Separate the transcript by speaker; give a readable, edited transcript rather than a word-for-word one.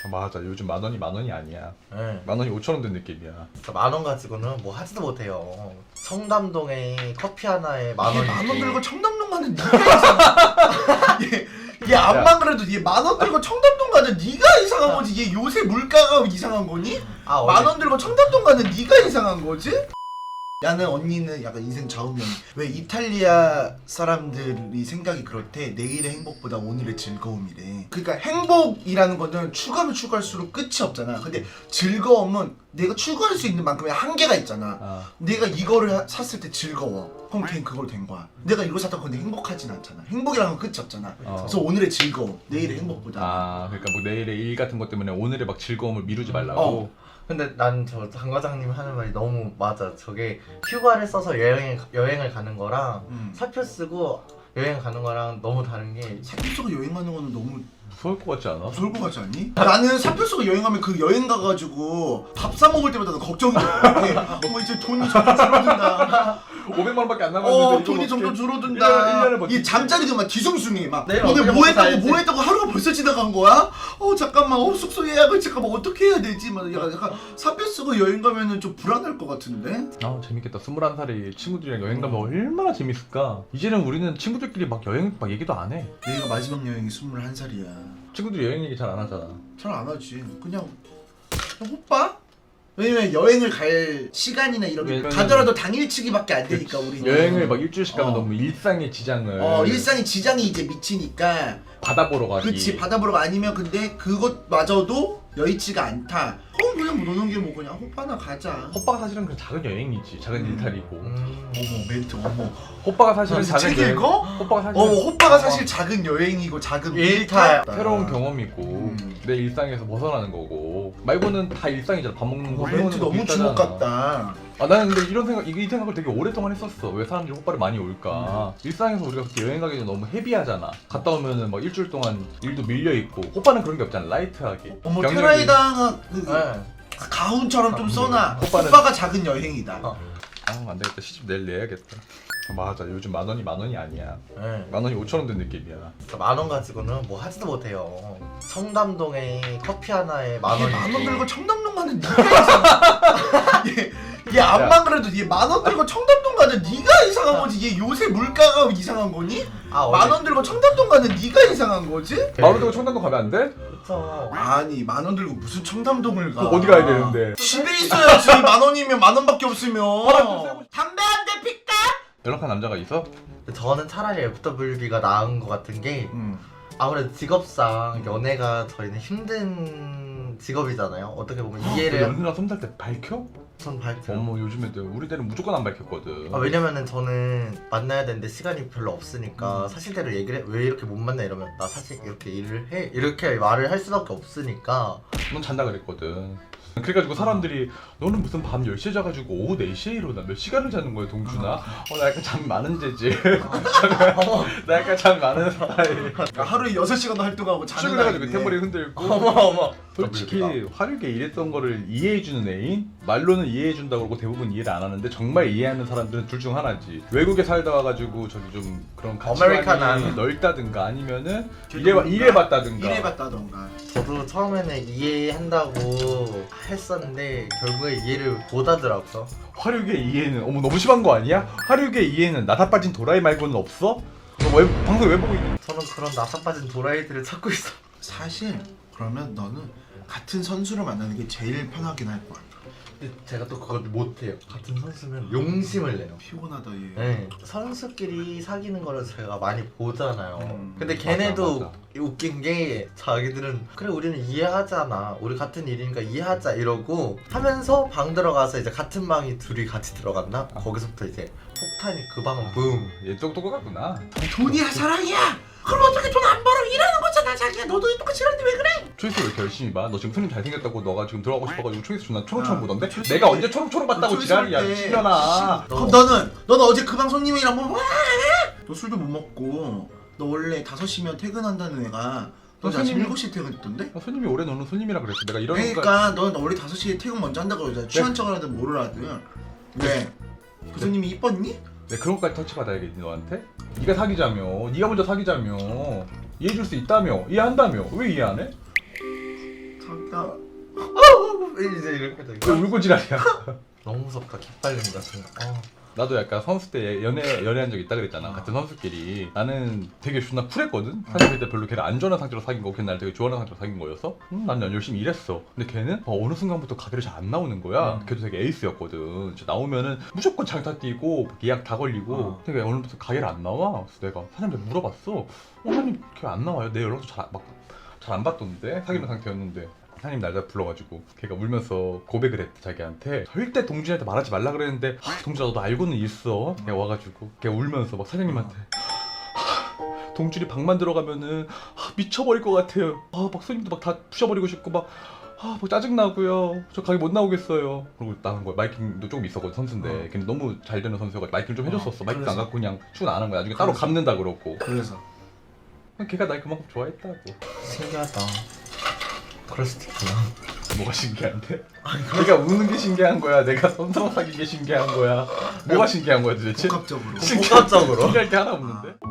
Speaker 1: 맞아. 요즘 만 원이 아니야.
Speaker 2: 네.
Speaker 1: 만 원이 5천 원 된 느낌이야.
Speaker 2: 진짜 만 원 가지고는 뭐 하지도 못해요. 청담동에 커피 하나에 만 원.
Speaker 3: 만원 들고 청담동 가는 네가 이상한. 얘 암만 그래도 얘 만 원 들고 청담동 가는 네가 이상한 거지. 얘 요새 물가가 이상한 거니?
Speaker 2: 아,
Speaker 3: 만 원 들고 청담동 가는 네가 이상한 거지? 나는 언니는 약간 인생 좌우명. 왜 이탈리아 사람들이 생각이 그렇대. 내일의 행복보다 오늘의 즐거움이래. 그러니까 행복이라는 거는 추가하면 추가할수록 끝이 없잖아. 근데 즐거움은 내가 추구할 수 있는 만큼의 한계가 있잖아. 내가 이거를 샀을 때 즐거워. 그럼 걔는 그걸 된 거야. 내가 이거 샀다고 근데 행복하진 않잖아. 행복이라는 건 끝이 없잖아. 그래서 오늘의 즐거움, 내일의 행복보다.
Speaker 1: 그러니까 뭐 내일의 일 같은 것 때문에 오늘의 막 즐거움을 미루지 말라고.
Speaker 2: 근데 난 저 장 과장님 하는 말이 너무 맞아. 저게 휴가를 써서 여행을 가는 거랑 사표 쓰고 여행 가는 거랑 너무 다른 게,
Speaker 3: 사표 쓰고 여행하는 거는 너무
Speaker 1: 무서울 것 같지 않아?
Speaker 3: 무서울 것 같지 않니? 나는 사표 쓰고 여행하면 그 여행 가가지고 밥 사 먹을 때마다 걱정이 돼. 뭐 이제 돈이 점점 줄어든다.
Speaker 1: 500만 원밖에 안 남았는데
Speaker 3: 돈이
Speaker 1: 이거
Speaker 3: 점점
Speaker 1: 어떻게-
Speaker 3: 줄어든다.
Speaker 1: 일년에 뭐
Speaker 3: 이 잠자리도 막 뒤숭숭해. 막
Speaker 2: 내일
Speaker 3: 오늘
Speaker 2: 어떻게
Speaker 3: 뭐 했다고
Speaker 2: 살지?
Speaker 3: 뭐 했다고 하루가 벌써 지나간 거야? 잠깐만 숙소 예약을 잠깐만 어떻게 해야 되지? 막 약간 사표 쓰고 여행 가면은 좀 불안할 것 같은데?
Speaker 1: 재밌겠다. 21살이 친구들이랑 여행 가면 얼마나 재밌을까. 이제는 우리는 친구들끼리 막 여행 막 얘기도 안 해.
Speaker 3: 내가 마지막 여행이 21살이야.
Speaker 1: 친구들이 여행 얘기 잘 안 하잖아.
Speaker 3: 잘 안 하지. 그냥 오빠? 왜냐면 여행을 갈 시간이나 이런 게
Speaker 1: 왜냐면-
Speaker 3: 가더라도 당일치기밖에 안 되니까 우리는
Speaker 1: 여행을 막 일주일씩 가면
Speaker 3: 어.
Speaker 1: 너무 일상의 지장을
Speaker 3: 일상의 지장이 이제 미치니까.
Speaker 1: 바다 보러 가기.
Speaker 3: 그치, 바다 보러 아니면 근데 그것마저도 여의치가 않다. 그냥 뭐 노는 게 뭐 그냥 호빠나 가자.
Speaker 1: 호빠가 사실은 그 작은 여행이지. 작은 일탈이고.
Speaker 3: 어머 멘트 어머.
Speaker 1: 호빠가 사실은
Speaker 3: 책
Speaker 1: 작은 여행.
Speaker 3: 읽어?
Speaker 1: 호빠가 사실은
Speaker 3: 어머 호빠가 사실 작은 여행이고 작은
Speaker 2: 일탈.
Speaker 1: 새로운 경험이고 내 일상에서 벗어나는 거고. 말고는 다 일상이잖아. 밥 먹는 거, 술
Speaker 3: 멘트
Speaker 1: 먹는 거
Speaker 3: 너무
Speaker 1: 비슷하잖아.
Speaker 3: 주목 같다.
Speaker 1: 나는 근데 이 생각을 되게 오랫동안 했었어. 왜 사람들이 호빠를 많이 올까? 일상에서 우리가 그렇게 여행 가기 전에 너무 헤비하잖아. 갔다 오면은 막 일주일 동안 일도 밀려 있고. 호빠는 그런 게 없잖아. 라이트하게.
Speaker 3: 어머
Speaker 1: 병력이-
Speaker 3: 테라이다가
Speaker 2: 네.
Speaker 3: 가훈처럼 좀 써놔.
Speaker 1: 호빠는-
Speaker 3: 호빠가 작은 여행이다.
Speaker 1: 안 되겠다. 시집 내일 내야겠다. 맞아. 요즘 만 원이 아니야.
Speaker 2: 네.
Speaker 1: 만 원이 5천 원 된 느낌이야.
Speaker 2: 진짜 만 원 가지고는 뭐 하지도 못해요. 청담동에 커피 하나에 만 원.
Speaker 3: 만원 들고 청담동 가는 네가 이상한. 얘 암만 그래도 얘 만 원 들고 청담동 가는 네가 이상한 거지. 얘 요새 물가가 이상한 거니? 만 원 들고 청담동 가는 네가 이상한 거지?
Speaker 1: 만 원 들고 청담동 가면 안 돼?
Speaker 2: 그쵸.
Speaker 3: 아니 만 원 들고 무슨 청담동을 가?
Speaker 1: 그럼 어디 가야 되는데?
Speaker 3: 집에 있어야지. 만 원이면 만 원밖에 없으면. 담배 한 대 필까?
Speaker 1: 연락한 남자가 있어?
Speaker 2: 저는 차라리 FWB가 나은 것 같은 게, 아무래도 직업상 연애가 저희는 힘든 직업이잖아요. 어떻게 보면 이해를
Speaker 1: 연애랑 썸탈 때 밝혀?
Speaker 2: 전 밝혀요.
Speaker 1: 어머 요즘 애들 우리 때는 무조건 안 밝혔거든.
Speaker 2: 왜냐면은 저는 만나야 되는데 시간이 별로 없으니까 사실대로 얘기를 해. 왜 이렇게 못 만나 이러면 나 사실 이렇게 일을 해 이렇게 말을 할 수밖에 없으니까.
Speaker 1: 넌 잔다 그랬거든. 그래가지고 사람들이 너는 무슨 밤 10시에 자가지고 오후 4시에 일어나 몇 시간을 자는 거야 동준아? 나 약간 잠 많은 재질. 나 약간 잠 많은 스타일.
Speaker 3: 하루에 6시간도 활동하고 자는
Speaker 1: 출근해가지고
Speaker 3: 아이네.
Speaker 1: 템머리 흔들고.
Speaker 2: 어머.
Speaker 1: 솔직히 화류계 일했던 거를 이해해주는 애인? 말로는 이해해준다고 그러고 대부분 이해를 안 하는데 정말 이해하는 사람들은 둘 중 하나지. 외국에 살다 와가지고 저기 좀 그런 가치관이
Speaker 2: 아메리칸
Speaker 1: 넓다든가 아니면은 일해봤다든가.
Speaker 3: 일해봤다던가.
Speaker 2: 저도 처음에는 이해한다고 했었는데 결국에 이해를 못 하더라고요.
Speaker 1: 화류계 이해는 어머 너무 심한 거 아니야? 화류계 이해는 나다 빠진 도라이 말고는 없어? 너 방송 왜 보고 있니?
Speaker 2: 저는 그런 나사 빠진 도라이들을 찾고 있어.
Speaker 3: 사실 그러면 너는 같은 선수를 만나는 게 제일 편하긴 할 거야.
Speaker 2: 근데 제가 또 그걸 못해요. 같은 선수면 용심을 내요.
Speaker 3: 피곤하다 얘.
Speaker 2: 네. 선수끼리 사귀는 거를 제가 많이 보잖아요. 근데
Speaker 1: 맞아,
Speaker 2: 걔네도
Speaker 1: 맞아.
Speaker 2: 웃긴 게 자기들은 그래 우리는 이해하잖아. 우리 같은 일이니까 이해하자 이러고 하면서 방 들어가서 이제 같은 방이 둘이 같이 들어간다? 거기서부터 이제 폭탄이 그 방은 붐.
Speaker 1: 얘 똑똑하구나.
Speaker 3: 돈이 사랑이야. 그럼 어떻게 돈 안 벌어? 일하는 거잖아 자기야. 너도 똑같이 일하는데 왜 그래?
Speaker 1: 초이스 왜 이렇게 열심히 봐? 너 지금 손님 잘생겼다고 너가 지금 들어가고 싶어가지고 초이스 존나 초롱초롱
Speaker 3: 아,
Speaker 1: 보던데?
Speaker 3: 초이스
Speaker 1: 내가
Speaker 3: 때-
Speaker 1: 언제 초롱초롱 봤다고
Speaker 3: 초이스
Speaker 1: 지랄이야
Speaker 3: 때-
Speaker 1: 미친년아.
Speaker 3: 그럼 너는 어제 그 방 손님이랑 뭐 너 술도 못 먹고 너 원래 5시면 퇴근한다는 애가 너 아침
Speaker 1: 손님이-
Speaker 3: 7시에 퇴근했던데?
Speaker 1: 손님이 오래 노는 손님이라 그랬어. 내가 이런 거
Speaker 3: 그러니까 넌 원래 5시에 퇴근 먼저 한다고 그러잖아. 취한 척을 하든 뭐를 하든. 왜? 그 손님이 이뻤니?
Speaker 1: 내가 그런 것까지 터치받아야겠니 너한테? 네가 사귀자며 네가 먼저 사귀자며 이해해줄 수 있다며 이해한다며 왜 이해 안 해?
Speaker 3: 자기야.
Speaker 2: 이제 이렇게
Speaker 1: 왜
Speaker 2: 되고
Speaker 1: 울고 지랄이야.
Speaker 2: 너무 무섭다. 기빨린다 지금.
Speaker 1: 나도 약간 선수 때 연애한 적 있다 그랬잖아. 같은 선수끼리. 나는 되게 존나 쿨했거든. 사실 그때 별로 걔를 안 좋아하는 상태로 사귄 거고 걔는 나를 되게 좋아하는 상태로 사귄 거여서 난 열심히 일했어. 근데 걔는 어느 순간부터 가게를 잘 안 나오는 거야. 걔도 되게 에이스였거든. 진짜 나오면은 무조건 장타 뛰고 예약 다 걸리고 되게 어느 부터 가게를 안 나와. 그래서 내가 사장님한테 물어봤어. 사장님 걔 안 나와요. 내 연락도 잘 안 받던데 사귀는 상태였는데. 사장님 날짜 불러가지고 걔가 울면서 고백을 했대. 자기한테 절대 동준이한테 말하지 말라 그랬는데 동준아 너도 알고는 있어. 걔가 와가지고 걔 울면서 막 사장님한테 동준이 방만 들어가면은 미쳐버릴 것 같아요. 막 손님도 막 다 부셔버리고 싶고 막 짜증나고요. 저 가게 못 나오겠어요. 그리고 나간 거야. 마이킹도 조금 있었거든 선수인데 걔는 너무 잘 되는 선수여가지고 마이킹 좀 해줬었어. 마이킹도 안
Speaker 3: 그래서?
Speaker 1: 갖고 그냥 출근 안 한 거야. 나중에 따로
Speaker 3: 그래서?
Speaker 1: 갚는다 그러고.
Speaker 3: 그래서
Speaker 1: 걔가 날 그만큼 좋아했다고.
Speaker 2: 신기하다. 그럴 수도 있구나.
Speaker 1: 뭐가 신기한데? 내가 우는 게 신기한 거야? 내가 선수랑 사귄 게 신기한 거야? 뭐가 신기한 거야 도대체?
Speaker 3: 복합적으로.
Speaker 2: 복합적으로.
Speaker 1: 신기할 게 하나 없는데?